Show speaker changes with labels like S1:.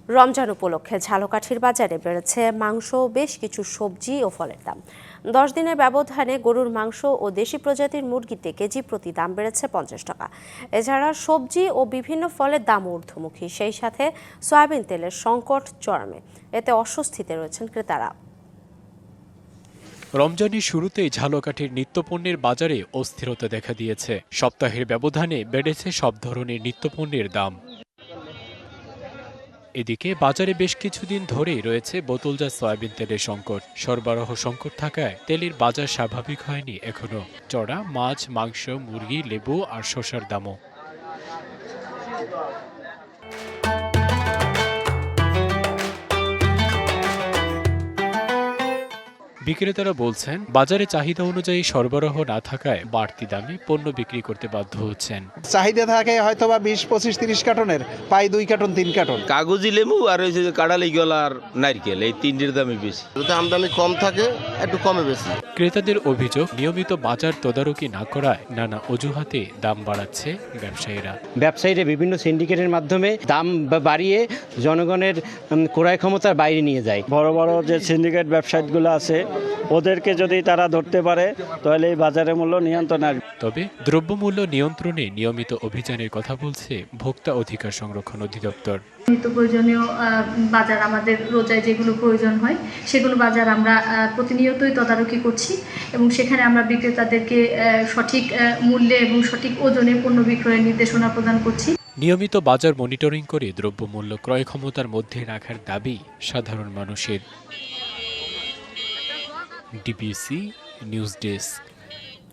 S1: রমজান উপলক্ষে ঝালকাঠির বাজারে বেড়েছে মাংস, বেশ কিছু সবজি ও ফলের দাম। 10 দিনের ব্যবধানে গরুর মাংস ও দেশি প্রজাতির মুরগিতে কেজি প্রতি দাম বেড়েছে 50 টাকা। এছাড়া সবজি ও বিভিন্ন ফলের দাম ঊর্ধ্বমুখী। সেই সাথে সয়াবিন তেলের সংকট চরমে। এতে অস্বস্তিতে রয়েছেন ক্রেতারা।
S2: রমজানের শুরুতেই ঝালকাঠির নিত্যপণ্যের বাজারে অস্থিরতা দেখা দিয়েছে। সপ্তাহের ব্যবধানে বেড়েছে সব ধরনের নিত্যপণ্যের দাম। এদিকে বাজারে বেশ কিছুদিন ধরেই রয়েছে বোতলজাত সয়াবিন তেলের সংকট। সরবরাহ সংকট থাকায় তেলের বাজার স্বাভাবিক হয়নি এখনো। চড়া মাছ, মাংস, মুরগি, লেবু আর শসার দামও। বিক্রেতারা বলছেন, বাজারে চাহিদা অনুযায়ী সরবরাহ না থাকায় বাড়তি দামে পণ্য বিক্রি করতে বাধ্য হচ্ছেন।
S3: চাহিদা থাকে হয়তোবা 20, 25, 30 কার্টনের, পাই 2 কার্টন 3 কার্টন।
S4: কাগজি লেবু আর ওই যে কাঁড়ালি গলা আর নারকেল, এই তিনটির দামই বেশি।
S5: যদি আমদানি কম থাকে একটু কমে বেশি।
S2: ক্রেতাদের অভিযোগ, নিয়মিত বাজার তদারকি না করায় নানা অজুহাতে দাম বাড়াচ্ছে
S6: ব্যবসায়ীরা বিভিন্ন সিন্ডিকেটের মাধ্যমে দাম বাড়িয়ে জনগণের ক্রয় ক্ষমতার বাইরে নিয়ে যায়।
S7: বড় বড় যে সিন্ডিকেট ব্যবসায়ীগুলো আছে ওদেরকে যদি তারা ধরতে পারে তাহলে এই বাজারের মূল্য নিয়ন্ত্রণ আসবে।
S2: তবে দ্রব্যমূল্য নিয়ন্ত্রণে নিয়মিত অভিযানের কথা বলছে ভোক্তা অধিকার সংরক্ষণ অধিদপ্তর।
S8: নিত্য প্রয়োজনীয় বাজার, আমাদের রোজায় যেগুলো প্রয়োজন হয় সেগুলো বাজার আমরা প্রতিনিয়তই তদারকি করছি এবং সেখানে আমরা বিক্রেতাদেরকে সঠিক মূল্যে এবং সঠিক ওজনে পণ্য বিক্রয়ের নির্দেশনা প্রদান করছি।
S2: নিয়মিত বাজার মনিটরিং করে দ্রব্যমূল্য ক্রয় ক্ষমতার মধ্যে রাখার দাবি সাধারণ মানুষের। DBC news desk.